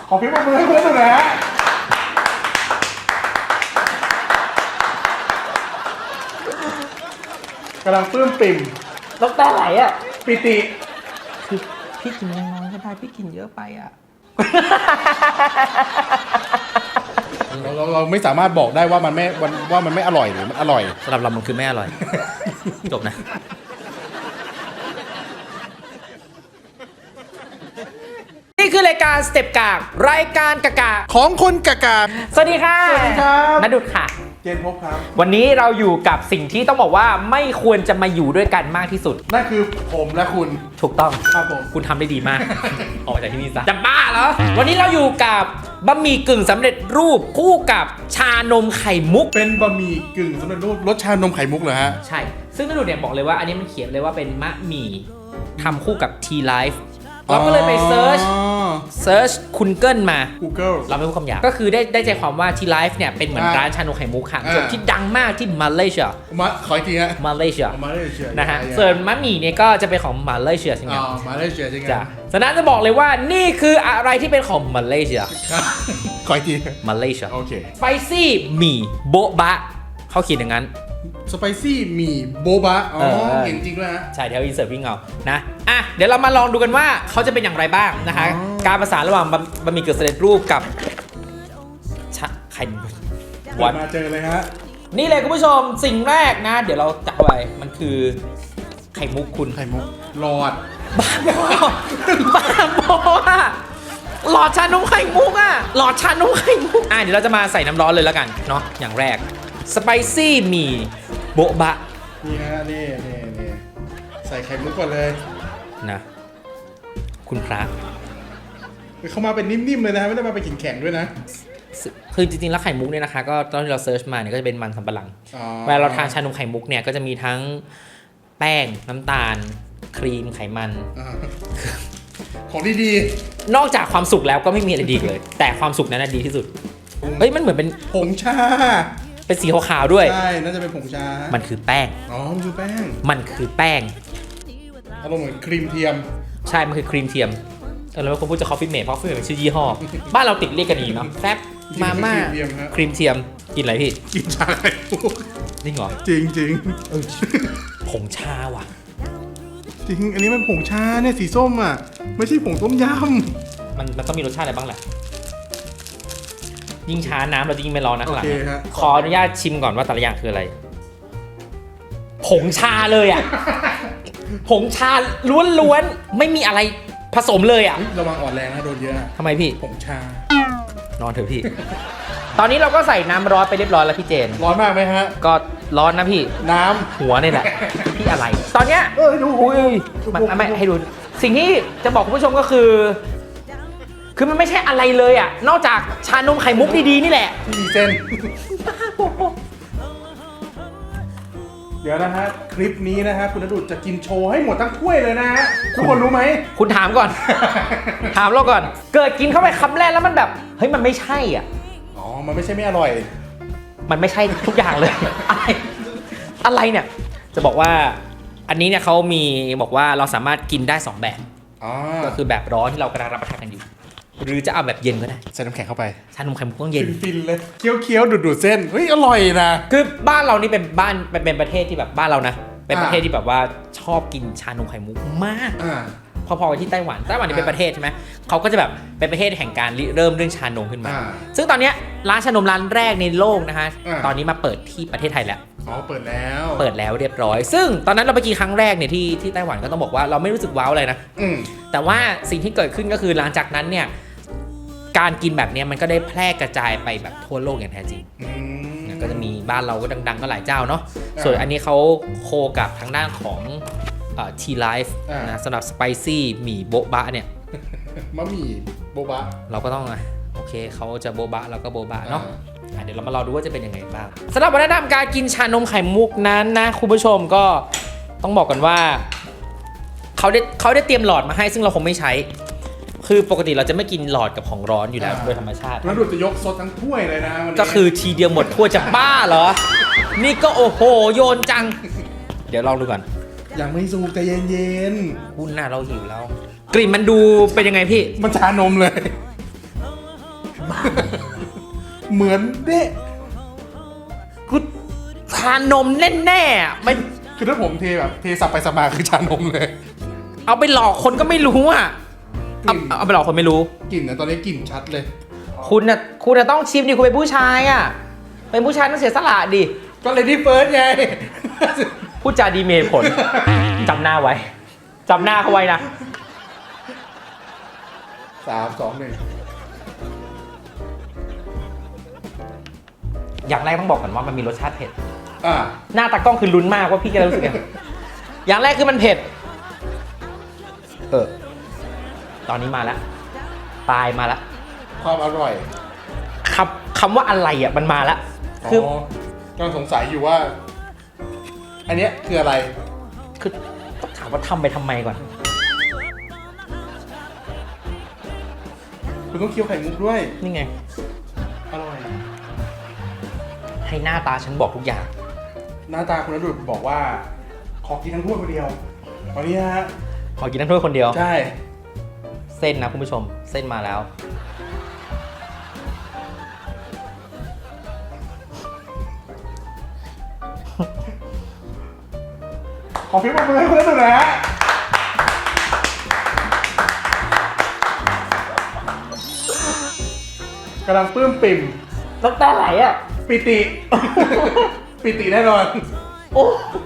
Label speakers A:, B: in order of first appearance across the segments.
A: ขอเพียงมือให้เพื่อนหน่อยนะฮะกำลังปลื้มปิ่ม
B: น้ำตาไหลอ่ะ
A: ปิติ
B: คือพี่กินน้อยๆก็ได้พี่กินเยอะไปอ่ะ
A: เราไม่สามารถบอกได้ว่ามันไม่อร่อยหรือมันอร่อย
B: สำหรับเรามันคือไม่อร่อย จบนะ นี่คือรายการสเต็ปกากรายการกากา
A: ของคนกากา
B: สวัสดีค่ะ
A: สวัสดีครับ
B: ณดุษค่ะ
A: เจนพบครับ
B: วันนี้เราอยู่กับสิ่งที่ต้องบอกว่าไม่ควรจะมาอยู่ด้วยกันมากที่สุด
A: นั่นคือผมและคุณ
B: ถูกต้อง
A: ครับผม
B: คุณทำได้ดีมาก ออกจากที่นี่ซะจะบ้าเหรอ วันนี้เราอยู่กับบะหมี่กึ่งสำเร็จรูปคู่กับชานมไข่มุก
A: เป็นบะหมี่กึ่งสำเร็จรูปรสชานมไข่มุกเหรอฮะ
B: ใช่ ซึ่งณดุษเนี่ยบอกเลยว่าอันนี้มันเขียนเลยว่าเป็นมะหมี่ทำคู่กับ T-Life เราก็เลยไปเซิร์ชคุณเกิลมา
A: Google
B: เราไม่พูดคำหยาบก็คือได้ใจความว่าที่ไลฟ์เนี่ยเป็นเหมือนร้านชานมไข่มุกค่ะส่วนที่ดังมากที่มาเลเซีย
A: ขออีกทีฮะ
B: มาเลเซีย
A: มาเลเซีย
B: นะฮะส่วนมะหมี่เนี่ยก็จะเป็นของมาเลเซียใช่ไหม
A: มาเลเซียใช่ไหม
B: จ้ะฉะนั้นจะบอกเลยว่านี่คืออะไรที่เป็นของมาเลเซีย
A: ขออีกที
B: มาเลเซีย
A: โอเค
B: สไปซี่หมี่โบ๊ะบะเขาเขียนอย่างนั้น
A: สไปซี่หมี่โบบะอ๋อ
B: เออ
A: เก่งจริงด้วยฮะ
B: ใช่เดี๋ยวอินเสิร์ตวิ่งเอานะอ่ะเดี๋ยวเรามาลองดูกันว่าเขาจะเป็นอย่างไรบ้างนะคะ
A: อ๋อ
B: การประสานระหว่างบะหมี่กึ่งสำเร็จรูปกับไข่มุก
A: เปิดมาเจอเลยฮะ
B: นี่เลยคุณผู้ชมสิ่งแรกนะ เดี๋ยวเราจับไปมันคือไข่มุกคุณ
A: ไข่มุกหลอด
B: บ้าบอบ้าบออะหลอดชานมไข่มุกอะหลอดชานมไข่มุกเดี๋ยวเราจะมาใส่น้ำร้อนเลยแล้วกันเนาะอย่างแรกสไปซี่หมี่โบ๊ะบะ
A: นี่ฮะนี่ใส่ไข่มุกก่อนเลย
B: นะคุณพระ
A: เขามาเป็นนิ่มๆเลยนะฮะไม่ได้มาเป็นแข็งๆด้วยนะ
B: คือจริงๆแล้วไข่มุกเนี่ยนะคะก็ตอนที่เราเซิร์ชมาเนี่ยก็จะเป็นมันสำปะหลัง
A: อ๋อ
B: เวลาเราทานชานมไข่มุกเนี่ยก็จะมีทั้งแป้งน้ำตาล ครีมไขมัน
A: อ่าของดี
B: นอกจากความสุขแล้วก็ไม่มีอะไรดีอีกเลย แต่ความสุขนั้นนะดีที่สุดเฮ้ยมันเหมือนเป็น
A: ๆผงชา
B: เป็นสีขาวๆด้วย
A: ใช่น่าจะเป็นผงชา
B: มันคือแป้ง
A: อ๋อมันคือแป้ง
B: มันคือแป้ง
A: อารมณ์เหมือนครีมเทียม
B: ใช่มันคือครีมเทียมเราไม่ควรพูดจะคอฟฟี่เมดเพราะคอฟฟี่เมดเป็นชื่อยี่ห้อบ้านเราติดเรียกกันอีกเนาะแฟบมาม่า
A: ครีมเทียมฮะ
B: ครีมเทียมกินอะไรพี่
A: กินชาไข่มุก
B: จริงเหรอ
A: จริง
B: ผงชาว่ะ
A: จริงอันนี้มันผงชาเนี่ยสีส้มอ่ะไม่ใช่ผงต้มย
B: มันต้องมีรสชาติอะไรบ้างแหละยิ่งช้าน้ำเราจะยิ่งไม่ร้อน
A: ำ
B: นะ
A: โอ
B: ข้างหลัง
A: เค
B: เนี่ย
A: ฮะ
B: ขออนุญาตชิมก่อนว่าแต่ละอย่างคืออะไร ผงชาเลยอ่ะ ผงชาล้วนๆ ไม่มีอะไรผสมเลยอ่ะ
A: ระวังอ่อนแรงนะโดนเยอะนะ
B: ทำไมพี่
A: ผงชา
B: นอนเถอะพี่ ตอนนี้เราก็ใส่น้ำร้อนไปเรียบร้อยแล้วพี่เจน
A: ร้อนมากไหมฮะ
B: ก็ร้อนนะพี่
A: น้
B: หัวนี่แหละ พี่อะไร ตอนเนี้ย
A: ำดู
B: อุ้ยไม่ให้ดู สิ่งที่จะบอกคุณผู้ชมก็คือมันไม่ใช่อะไรเลยอ่ะ นอกจากชานมไข่มุกดีๆนี่แหละ
A: มีเส้น เดี๋ยวนะฮะคลิปนี้นะฮะคุณณดุษจะกินโชว์ให้หมดทั้งถ้วยเลยนะฮะทุกคนรู้ไหม
B: คุณถามก่อน ถามเราก่อน เกิดกินเข้าไปคำแรกแล้วมันแบบเฮ้ยมันไม่ใช่อ่ะ
A: อ๋อมันไม่ใช่ไม่อร่อย
B: มันไม่ใช่ทุกอย่างเลย อะไรเนี่ย จะบอกว่าอันนี้เนี่ยเขามีบอกว่าเราสามารถกินได้2แบบ
A: อ๋อ
B: ก็คือแบบร้อนที่เรากำลังรับประทานกันอยู่ หรือจะเอาแบบเย็นก็ได้
A: ใส่น้ำแข็งเข้าไป
B: ชานมไข่มุกต้องเย็น
A: ฟินๆเลยเคี้ยวๆดูดๆเส้นเฮ้ยอร่อยนะ
B: คือบ้านเรานี่เป็นประเทศที่แบบบ้านเรานะ เป็นประเทศที่แบบว่าชอบกินชานมไข่มุกมาก
A: อ่า
B: พอๆกับที่ไต้หวันนี่เป็นประเทศใช่ไหมเขาก็จะแบบเป็นประเทศแห่งการริเริ่มเรื่องชานมขึ้นมา ซึ่งตอนเนี้ยร้านชานมร้านแรกในโลกนะคะตอนนี้มาเปิดที่ประเทศไทยแล้ว
A: อ๋อเปิดแล้ว
B: เปิดแล้วเรียบร้อย ซึ่งตอนนั้นเราไปกินครั้งแรกเนี่ยที่ไต้หวันก็ต้องบอกว่าเราไม่รู้สึกว้าวอะไรนะ
A: อืม
B: แต่ว่าสิ่งที่เกิดขึ้นก็คือหลังจากนั้นเนี่ยการกินแบบเนี้ยมันก็ได้แพร่กระจายไปแบบทั่วโลกอย่างแท้จริง
A: อืม
B: ก็จะมีบ้านเราก็ดังๆก็หลายเจ้าเนาะ
A: อ่า
B: ส่วนอันนี้เขาโคกับทางด้านของT-Life
A: อ่าน
B: นะสำหรับสไปซี่หมี่โบ๊ะบะเนี่ย
A: มะหมี่โบบะ
B: เราก็ต้องโอเคเขาจะโบ๊ะบะเราก็โบ๊ะบะเนาะเดี๋ยวเรามารอดูว่าจะเป็นยังไงบ้างสำหรับวัฒนธรรมการกินชานมไข่มุกนั้นนะคุณผู้ชมก็ต้องบอกกันว่าเขาได้เตรียมหลอดมาให้ซึ่งเราคงไม่ใช้ คือปกติเราจะไม่กินหลอดกับของร้อนอยู่แล้วโดยธรรมชาติ
A: แล้วดูจะยกซดทั้งถ้วยเลยนะวันนี้
B: ก็คือทีเดียวหมดทั่วจะบ้าเหรอ นี่ก็โอ้โหโยนจัง เดี๋ยวลองดูก่อน
A: ยังไม่สุกใจเย็น
B: คุณน่ะเราหิวแล้ว กลิ่นมันดูเป็นยังไงพี่
A: ๆมันชานมเลยเหมือนเด้
B: คือชานมแน่ๆอะไม่
A: คือถ้าผมเทแบบเทสับไปสับมาคือชานมเลย
B: เอาไปหลอกคนก็ไม่รู้อ่ะ
A: กลิ่น
B: เอาไปหลอกคนไม่รู้
A: กลิ่นนะตอนนี้กลิ่นชัดเลย
B: คุณน่ะต้องชิมดิคุณเป็นผู้ชายอ่ะเป็นผู้ชายต้องเสียสละดิ
A: ก็เลยที่เฟิร์สไง
B: พูดจาดีเมย์ผล จำหน้าไว้จำหน้าเขาไว้นะ
A: 3 2 1
B: อย่างแรกต้องบอกก่อนว่ามันมีรสชาติเผ็ด
A: อ่า
B: หน้าตากล้องคือลุ้นมากว่าพี่จะรู้สึกยังไง อย่างแรกคือมันเผ็ดตอนนี้มาแล้วปลายมาแล้ว
A: ความอร่อย
B: คำว่าอะไรอ่ะมันมาแล้วคือ
A: กำลังสงสัยอยู่ว่า อันเนี้ยคืออะไร
B: คือต้องถามว่าทำไปทำไมก่อน
A: คุณต้องเคี้ยวไข่มุกด้วย
B: นี่ไง
A: อร่อย
B: ให้หน้าตาฉันบอกทุกอย่าง
A: หน้าตาคุณณดุษบอกว่า ขอกินทั้งถ้วยคนเดียวตอนนี้ฮะ
B: ขอกินน้ำถ้วยคนเดียว
A: ใช่
B: เส้นนะคุณผู้ชมเส้นมาแล้ว
A: ขอพิมพ์มาเลยคุณณดุษนะฮะกำลังปลื้มปิ่ม
B: น้ำตาไหลอ่ะ
A: ปิติ ปิติแน่นอน
B: โอ้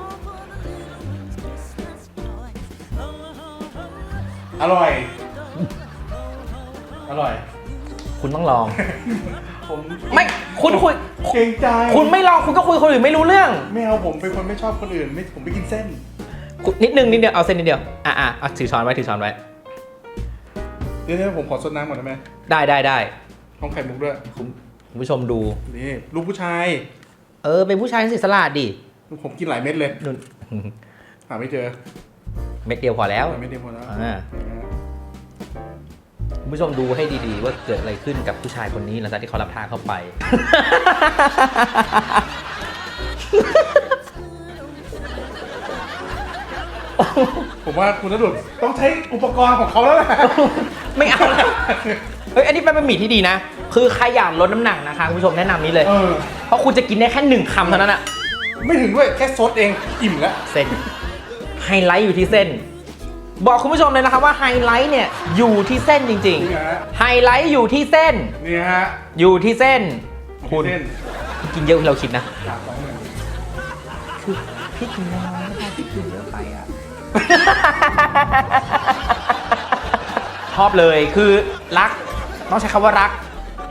A: อร่อย อร่อย
B: คุณต้องลอง
A: ผม
B: ไม่คุณคุย
A: เกรงใจ
B: คุณไม่ลองคุณก็คุยคนอื่นไม่รู้เรื่อง
A: ไม่เอาผมเป็นคนไม่ชอบคนอื่นไม่ผมไม่กินเส้น
B: นิดนึงเอาเส้นนิดเดียวเอาถือช้อนไว้ถือช้อนไว้
A: เดี๋ยวผมขอซดน้ำก่อนได้ไหม
B: ได้
A: ห้องไข่มุกด้วย
B: คุณผู้ชมดู
A: นี่ลูกผู้ชาย
B: เป็นผู้ชายเสียสละดิ
A: ผมกินหลายเม็ดเลย
B: นุ่น
A: หาไม่เจอ
B: เม็ดเดียวพอแล้ว
A: หาไม่เดียวหมดแล้ว
B: คุณผู้ชมดูให้ดีๆว่าเกิดอะไรขึ้นกับผู้ชายคนนี้หลังจากที่เขารับทานเข้าไป
A: ผมว่าคุณณดุษต้องใช้อุปกรณ์ของเขาแล้วแหละ
B: ไม่เอาแล้วเฮ้ยอันนี้เป็นบะหมี่ที่ดีนะ คือใครอยากลดน้ำหนักนะคะคุณผู้ชมแนะนำนี้เลย เพราะคุณจะกินได้แค่1 คำเท่านั้นอะ
A: ไม่ถึงด้วยแค่ซดเองอิ่มแล้ว
B: เส้นไฮไลท์อยู่ที่เส้น บอกคุณผู้ชมเลยนะครับว่าไฮไลท์เนี่ยอยู่ที่เส้นจริง
A: นี่ฮะ
B: ๆไฮไลท์อยู่ที่เส้น
A: นี่ฮะ
B: อยู่ที่เส้น คุณ
A: เส้น
B: กินเยอะกว่าเราคิดนะ
A: 3 2 1
B: คือพี่กินน้อยไม่ได้พี่กินเยอะไปอ่ะ ชอบเลยคือรักต้องใช้คำว่ารัก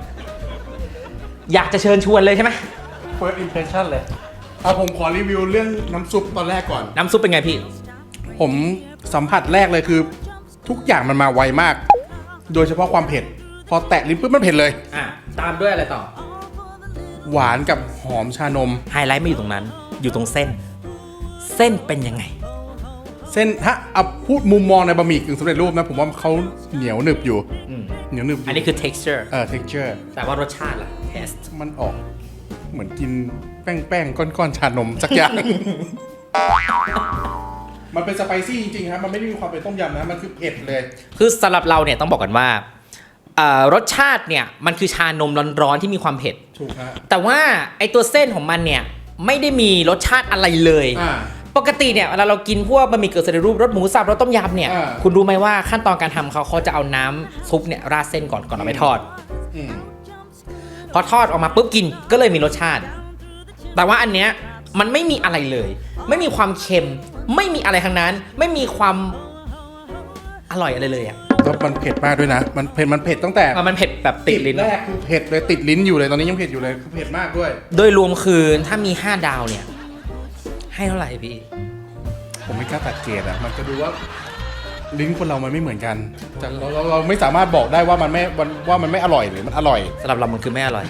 B: อยากจะเชิญชวนเลยใช่ไหม
A: first impression เลยเอาผมขอรีวิวเรื่องน้ำซุปตอนแรกก่อน
B: น้ำซุปเป็นไงพี่
A: ผมสัมผัสแรกเลยคือ ทุกอย่างมันมาไวมาก โดยเฉพาะความเผ็ด พอแตะลิ้นปุ๊บมันเผ็ดเลย
B: ตามด้วยอะไรต่อ
A: หวานกับหอมชานม
B: ไฮไลท์ไม่อยู่ตรงนั้น อยู่ตรงเส้น เส้นเป็นยังไง
A: เส้นถ้าเอาพูดมุมมองในบะหมี่กึ่งสำเร็จรูปนะ ผมว่าเขาเหนียวหนึบอยู่ เหนียวหนึบอยู่
B: อันนี้คือ texture
A: texture
B: แต่ว่ารสชาติล่ะ taste
A: มันออกเหมือนกินแป้งก้อนๆชานมสักอย่าง มันเป็นสไปซี่จริงๆครับ มันไม่ได้มีความเป็นต้มยำนะ มันคือเผ็ดเลย
B: คือสำหรับเราเนี่ยต้องบอกกันว่ารสชาติเนี่ยมันคือชานมร้อนๆที่มีความเผ็ด
A: ถูกฮะ
B: แต่ว่าไอตัวเส้นของมันเนี่ยไม่ได้มีรสชาติอะไรเลย ปกติเนี่ยเวลาเรากินพวกบะหมี่กึ่งสำเร็จรูปรสหมูสับรสต้มยำเนี่ยคุณรู้ไหมว่าขั้นตอนการทำเขาจะเอาน้ำซุปเนี่ยราดเส้นก่อนเอาไปทอด พอทอดออกมาปุ๊บกินก็เลยมีรสชาติ แต่ว่าอันเนี้ยมันไม่มีอะไรเลย ไม่มีความเค็มไม่มีอะไรทั้งนั้น ไม่มีความอร่อยอะไรเลยอ่ะ
A: แล้วมันเผ็ดมากด้วยนะ มันเผ็ดตั้งแต่
B: มันเผ็ดแบบติดลิ้น
A: แรกคือเผ็ดเลยติดลิ้นอยู่เลยตอนนี้ยังเผ็ดอยู่เลยคือเผ็ดมากด้วย
B: โดยรวมคือถ้ามี5 ดาวเนี่ยให้เท่าไหร่พี่
A: ผมไม่กล้าตัดเกรดอ่ะมันจะดูว่าลิ้นคนเรามันไม่เหมือนกันจากเราไม่สามารถบอกได้ว่ามันไม่อร่อยหรือมันอร่อย
B: สำหรับเรามันคือไม่อร่อย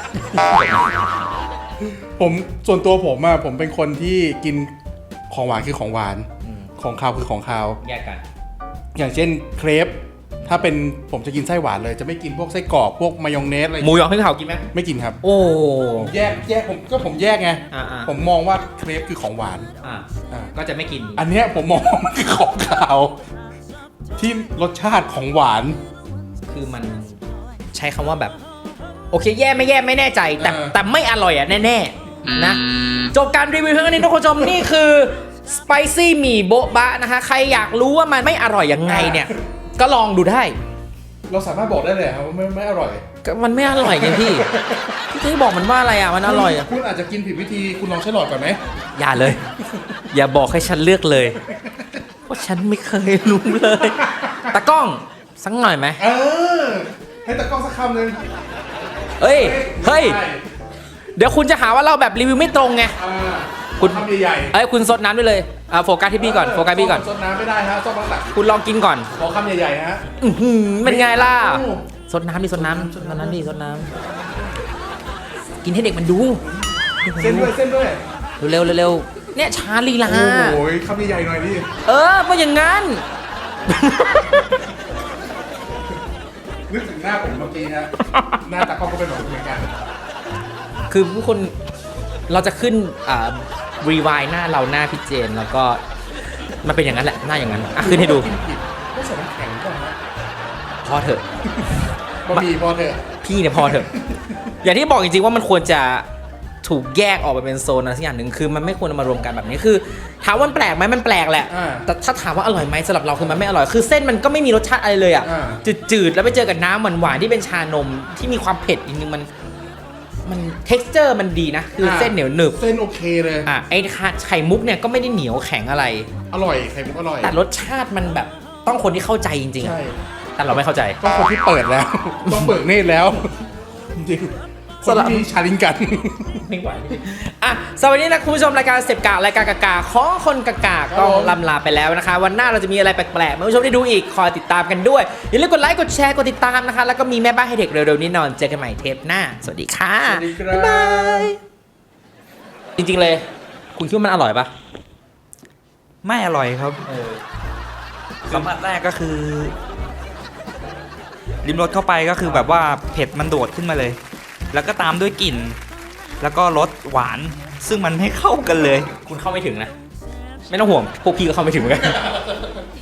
A: ผมส่วนตัวผมอะผมเป็นคนที่กินของหวานคือของหวาน ของคาวคือของคาว
B: แยกกัน
A: อย่างเช่นเครปถ้าเป็นผมจะกินไส้หวานเลยจะไม่กินพวกไส้กรอกพวกมายองเนสอะไร
B: หมูยอพริกเผากินไหม
A: ไม่กินครับ
B: โอ้
A: แยกผมแยกไง ผมมองว่าเครปคือของหวาน
B: ก็จะไม่กิน
A: อันเนี้ยผมมองว่ามันคือของคาว ที่รสชาติของหวาน
B: คือมันใช้คำว่าแบบโอเคแย่ไม่แน่ใจแต่ไม่อร่อยอ่ะแน่ๆนะจบการรีวิวเพียงเท่านี้ทุกคนผู้ชมนี่คือสไปซี่หมี่โบ๊ะบะนะคะใครอยากรู้ว่ามันไม่อร่อยยังไงเนี่ยก็ลองดูได้
A: เราสามารถบอกได้เลยครับว่าไม่อร่อย
B: ก็มันไม่อร่อยไงพี่ที่บอกมันว่าอะไรอ่ะมันอร่อยอ่ะ
A: คุณอาจจะกินผิดวิธีคุณลองใช้หลอดก่อนไหม
B: อย่าเลย อย่าบอกให้ฉันเลือกเลยเพราะฉันไม่เคยรู้เลยตากล้องสักหน่อยไหม
A: ให้ตะกล้องสักคำหนึ่ง
B: เฮ้ยเดี๋ยวคุณจะหาว่าเราแบบรีวิวไม่ตรงไง คุณ
A: คำใหญ่
B: เอ้ยคุณซดน้ำด้วยเลยโฟกัสที่พี่ก่อนโฟกัสพี่ก่อน
A: ซดน้ำไม่ได้ฮะซดหลัก
B: คุณลองกินก่อน
A: ขอคำใหญ่ๆฮะ
B: เป็นไงล่ะ
A: โอ้
B: ซดน้ำดิซดน้ำซดน้ำดิซดน้ำกินให้เด็กมันดู
A: เส้นด้วย
B: เร็วเนี่ยช้าลีลา
A: โอ้ยคำใหญ่ๆหน่อยดิ
B: เพราะอย่างงั้น
A: นึกถึงหน้าผมเมื่อกี้ฮะหน้าตากล้องก็เป็นแบบเหมือนกัน
B: คือผู้คนเราจะขึ้นรีวายหน้าเราหน้าพี่เจนแล้วก็มันเป็นอย่างนั้นแหละหน้าอย่างนั้นขึ้นให้ดู
A: กินผิดไม่ใส่น้ำแข็งก่อนนะ
B: พอเถอะ
A: บะหมี่พอเถอะ
B: พี่เนี่ยพอเถอะ อย่างที่บอกจริงๆว่ามันควรจะถูกแยกออกไปเป็นโซนอะไรสักอย่างหนึ่งคือมันไม่ควรเอามารวมกันแบบนี้คือถามว่ามันแปลกไหมมันแปลกแหละแต่ถ้าถามว่าอร่อยไหมสำหรับเราคือมันไม่อร่อยคือเส้นมันก็ไม่มีรสชาติอะไรเลยอ่ะจืดๆแล้วไปเจอกับน้ำหวานๆที่เป็นชานมที่มีความเผ็ดอีกนึงมัน texture มันดีนะคือเส้นเหนียวหนึบ
A: เส้นโอเคเลย
B: ไอ้ไข่มุกเนี่ยก็ไม่ได้เหนียวแข็งอะไร
A: อร่อยไข่มุกอร่อย
B: แต่รสชาติมันแบบต้องคนที่เข้าใจจริงๆ
A: ใช่
B: แต่เราไม่เข้าใจ
A: ต้องคนที่เปิดแล้ว ต้องเปิดเนตรแล้ว จริงๆคนที่มีชาลิงกัน
B: ไม่ไหวสวัสดีนะคุณผู้ชมรายการเสพกะรายการกากาของคนกากาก็ลำลาไปแล้วนะคะ วันหน้าเราจะมีอะไรแปลกๆมาให้ผู้ชมได้ดูอีกคอยติดตามกันด้วยอย่าลืมกดไลค์กดแชร์กดติดตามนะคะแล้วก็มีแม่บ้านให้เด็กเร็วๆนี้นอนเจอกันใหม่เทปหน้าสวัสดีค่ะ
A: สวัสดีครับ
B: บ๊ายบายจริงๆเลยคุณคิดว่ามันอร่อยปะ
C: ไม่อร่อยครับสัมผัสแรกก็คือลิ้มรสเข้าไปก็คือแบบว่าเผ็ดมันโดดขึ้นมาเลย แล้วก็ตามด้วยกลิ่น แล้วก็รสหวาน ซึ่งมันไม่เข้ากันเลย
B: คุณเข้าไม่ถึงนะ ไม่ต้องห่วงพวกพี่ก็เข้าไม่ถึงเหมือนกัน